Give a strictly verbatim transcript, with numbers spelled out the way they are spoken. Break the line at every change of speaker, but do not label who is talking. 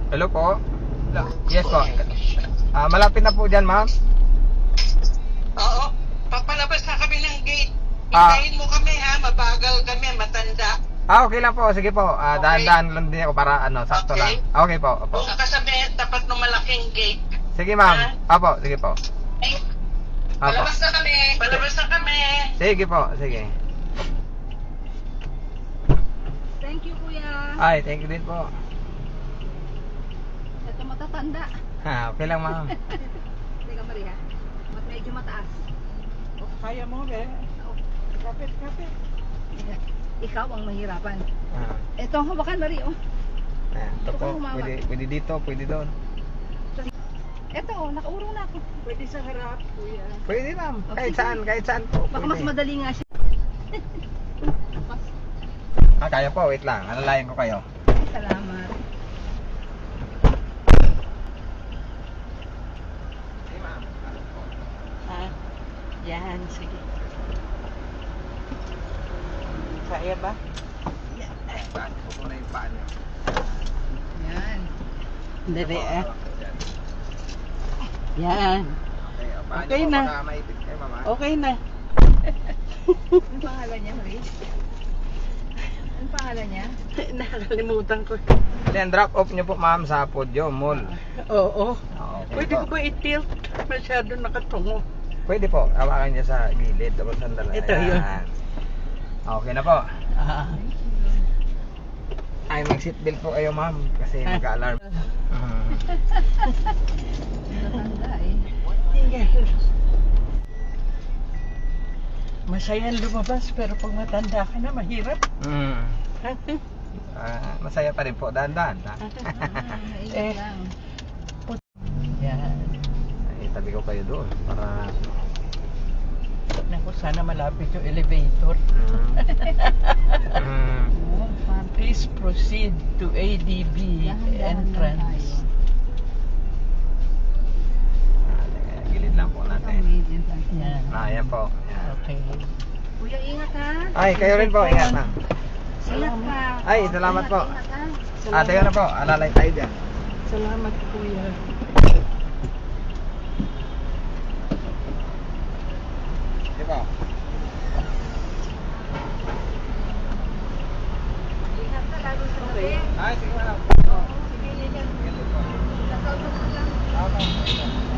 Hello po. Yes po. Ah, malapit na po dyan, ma'am.
Oo, papalabas na kami ng gate.
Ah.
Hintayin mo kami ha, mabagal kami, matanda.
Ah, okay lang po. Sige po. Ah,
Okay.
dahan-dahan lang din ako para ano, sakto
Okay.
lang. Okay po. Opo.
Doon ka sa may tapat ng malaking gate.
Sige, ma'am. Opo, sige po.
Ay,
Opo.
palabas na kami, palabas na kami.
Sige po, sige.
Thank you, kuya.
Ay, thank you din po.
Ito matatanda.
Ha, okay lang, ma'am.
Teka, Maria. Mat medyo mataas.
Oh, kaya mo, be.
Oh,
Kapit, kapit.
ikaw ang mahirapan.
Ah,
Ito, hawakan, Maria. Oh.
ayan, ito
Ito
po.
ka humawak.
Pwede, pwede dito, pwede doon.
Ito, oh, nakaurong na ako.
Pwede sa harap, kuya.
Pwede, ma'am.
Oh,
Kahit
sige.
saan, kahit saan po.
Baka mas
Pwede.
madali nga siya. Mas,
Ah, kaya po. Wait lang. Alalayan ko kayo.
ay, salamat.
Sige, ma'am.
Ha? Yan, sige. Kaya ba?
Paan ko po na yung paan niyo.
Yan.
Dali,
Ito po,
eh.
hawak ko dyan.
Yan.
Okay, ah, paan
Okay
niyo po,
na.
baka maipit kayo, ma'am. ah.
Okay na.
Ano pangalan niya, Maria? Ano pangalan niya?
Nakakalimutan ko.
Then, drop off niyo po, ma'am, sa Podio Mall.
Oo.
Ah, okay
Pwede
po.
ko ba i-tilt? Masyado nakatungo.
Pwede po. Hawakan niya sa gilid. Tapos sandala.
Ito,
Ayan.
yun.
Okay na po.
Ah.
Ay, mag-seatbelt po kayo, ma'am. Kasi mag-alarm. Mhm.
Matatanda eh.
Masaya lumabas pero pag matanda ka na mahirap.
Mm. Ah, masaya pa rin po. Dahan-dahan. ha?
Ah,
Eh.
ingat lang.
Yan.
Ay, tabi ko kayo doon. Para...
Naku, sana malapit yung elevator.
Mm. Mm.
Oh, parang
Please proceed to A D B
dahan-dahan lang
entrance.
tayo.
Ah, teka, gilid lang po
Ito,
natin.
medium lang.
Yan.
Ah, yan po. Yan.
Okay.
Kuya, ingat ha.
Ay, kayo rin po. Ingat na.
Ingat ka.
Ay, salamat po.
Ingat, ingat ha.
Ah, teka na po. Alalay tayo dyan.
Salamat, kuya.
Sige po.
Ingat ka lalo sa gabi.
Ay, sige ma'am.
Oo, sige, yan yan.
Sige po.
Nasa utot ko lang.
Okay.